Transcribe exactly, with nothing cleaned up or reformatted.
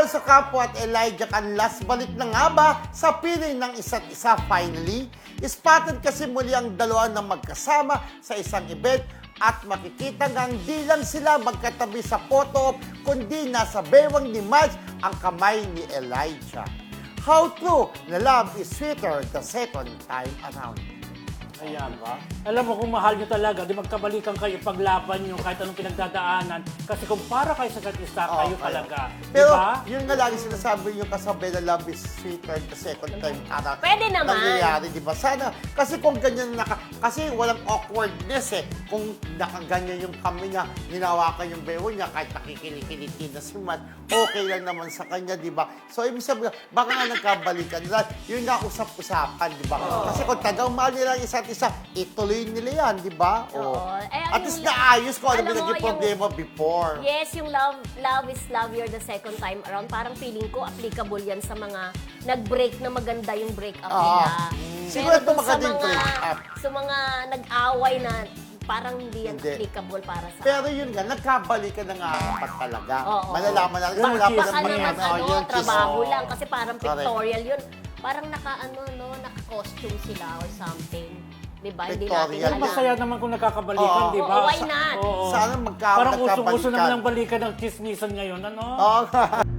Alonso Campo at Elijah Canlas balik na nga ba sa piling ng isa't isa finally? Spotted kasi muli ang dalawa na magkasama sa isang event at makikita ngang di lang sila magkatabi sa photo op, kundi nasa bewang ni Marge ang kamay ni Elijah. How true na love is sweeter the second time around. Ayan. Diba? Alam mo, kung mahal nyo talaga, di magkabalikan kayo, paglaban nyo kahit anong pinagdadaanan. Kasi kung para kayo sa isa't isa, kayo Okay. talaga. Pero Diba? yun nga lagi sinasabi yung kasabay na love is sweeter the second time around. Pwede naman. Nangyayari, di ba? Sana, kasi kung ganyan naka, kasi walang awkwardness eh. Kung nakaganyan yung kami niya, ninawakan yung bewo niya, kahit nakikinikiliti na si Matt, okay lang naman sa kanya, di ba? So, ibig sabihin, baka nga nagkabalikan nila. Yun nga usap-usapan, di ba? Oo. Kasi kung tagang mahal nila ang isa't isa, ituloy nila yan, di ba? Oo. Eh, At yung least la- naayos ko ano alam ba mo, naging problema before. Yes, yung love love is love you're the second time around. Parang feeling ko applicable yan sa mga nag-break na maganda yung breakup Oo. nila. Mm. Siguro ito dun sa maganda yung mga, breakup. sa mga nag-away na parang hindi yan Hindi. applicable para sa Pero yun nga, nagkabalikan na nga dapat talaga. Oo. Malalaman natin. Yung Wala pa chismis. Baka naman naman ano, ano, yun, trabaho chismis. lang kasi parang Correct. pictorial yun. Parang naka ano no, naka-costume sila or something. 'Di ba? Hindi natin Pictorial. Pero alam. masaya naman kung nagkakabalikan, Oo. di ba? Oo, why not? Oo. Sana magka- Parang usong-uso magkabalikan. naman ang balikan ng chismisan ngayon, ano? Oo.